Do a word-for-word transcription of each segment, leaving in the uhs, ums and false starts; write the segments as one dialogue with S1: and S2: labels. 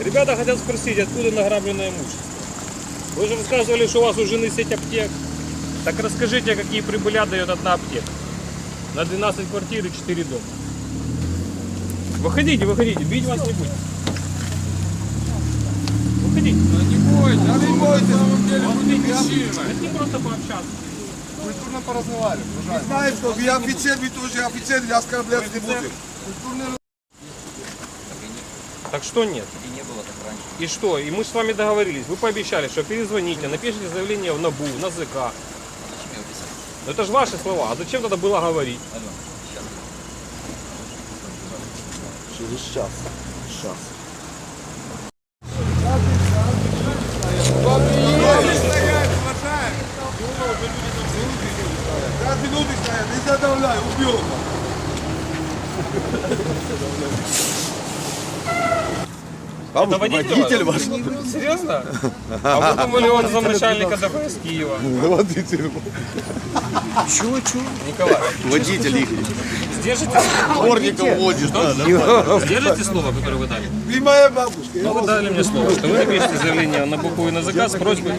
S1: Ребята хотят спросить, откуда награбленное имущество. Вы же рассказывали, что у вас у жены сеть аптек. Так расскажите, какие прибыли дает одна аптека. На двенадцать квартир и четыре дома. Выходите, выходите, бить вас не будет. Выходите.
S2: Да не бойтесь, да не бойтесь, на самом деле будет причина.
S1: Это не просто пообщаться.
S2: Культурно поразговаривали.
S3: Мы знаем, что вы офицер, вы тоже офицер, я оскорблять не будем. Культурный...
S1: Так что нет?
S4: И не было так раньше.
S1: И что? И мы с вами договорились. Вы пообещали, что перезвоните, напишите заявление в НАБУ, на ЗК.
S4: А зачем его писать?
S1: Но это же ваши слова. А зачем тогда было говорить?
S4: Алло, сейчас.
S3: Через час. Час. Пять минут стоят, не задавляй, убьем.
S1: Это водитель ваш? Серьезно? А вы думали, он замначальника ДПС Киева?
S3: Водитель.
S1: Чего, чего? Николай,
S3: Водитель их.
S1: сдержите слово?
S3: Дворником водит.
S1: Сдержите слово, которое вы дали?
S3: Ты моя бабушка.
S1: Ну, вы дали мне слово, что вы напишите заявление на БУ и на ЗК с просьбой.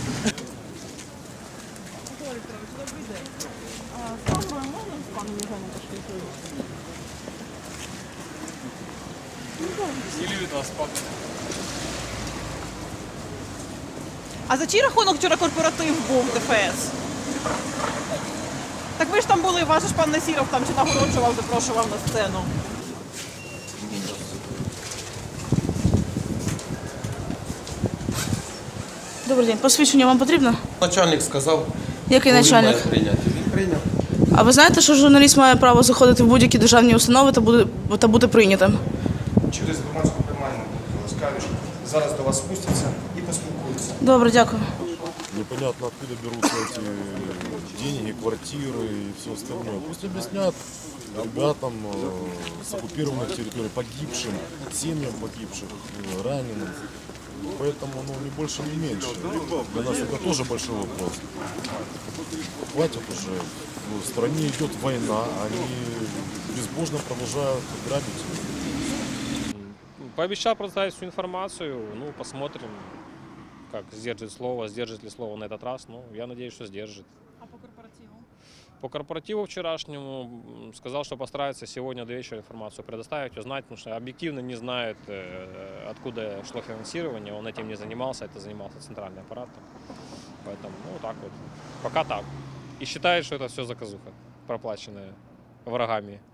S5: А за чий рахунок вчора корпоратив був ДФС? Так ви ж там були, ваш ж пан Насіров там чи нагороджував, запрошував на сцену.
S6: Добрий день, посвідчення вам потрібно?
S7: Начальник сказав,
S6: Який
S7: коли
S6: начальник?
S7: має прийняти. Він прийняв.
S6: А ви знаєте, що журналіст має право заходити в будь-які державні установи та бути, та бути прийнятим?
S8: Через громадську приймальну скажуть, зараз до вас спустяться і поспілкуються.
S6: Добре, дякую.
S9: Непонятно, откуда берутся эти деньги, квартиры и все остальное. Пусть объяснят ребятам э, с оккупированных территорий, погибшим, семьям погибших, э, раненым. Поэтому ну, не больше, не меньше. Для нас это тоже большой вопрос. Хватит уже. В стране идет война, они безбожно продолжают грабить.
S1: Пообещал предоставить всю информацию, ну, посмотрим, как сдержит слово, сдержит ли слово на этот раз. Ну, я надеюсь, что сдержит.
S5: А по корпоративу?
S1: По корпоративу вчерашнему сказал, что постарается сегодня до вечера информацию предоставить, узнать, потому что объективно не знает, откуда шло финансирование, он этим не занимался, это занимался центральный аппарат. Поэтому, ну, так вот, пока так. И считает, что это все заказуха, проплаченная врагами.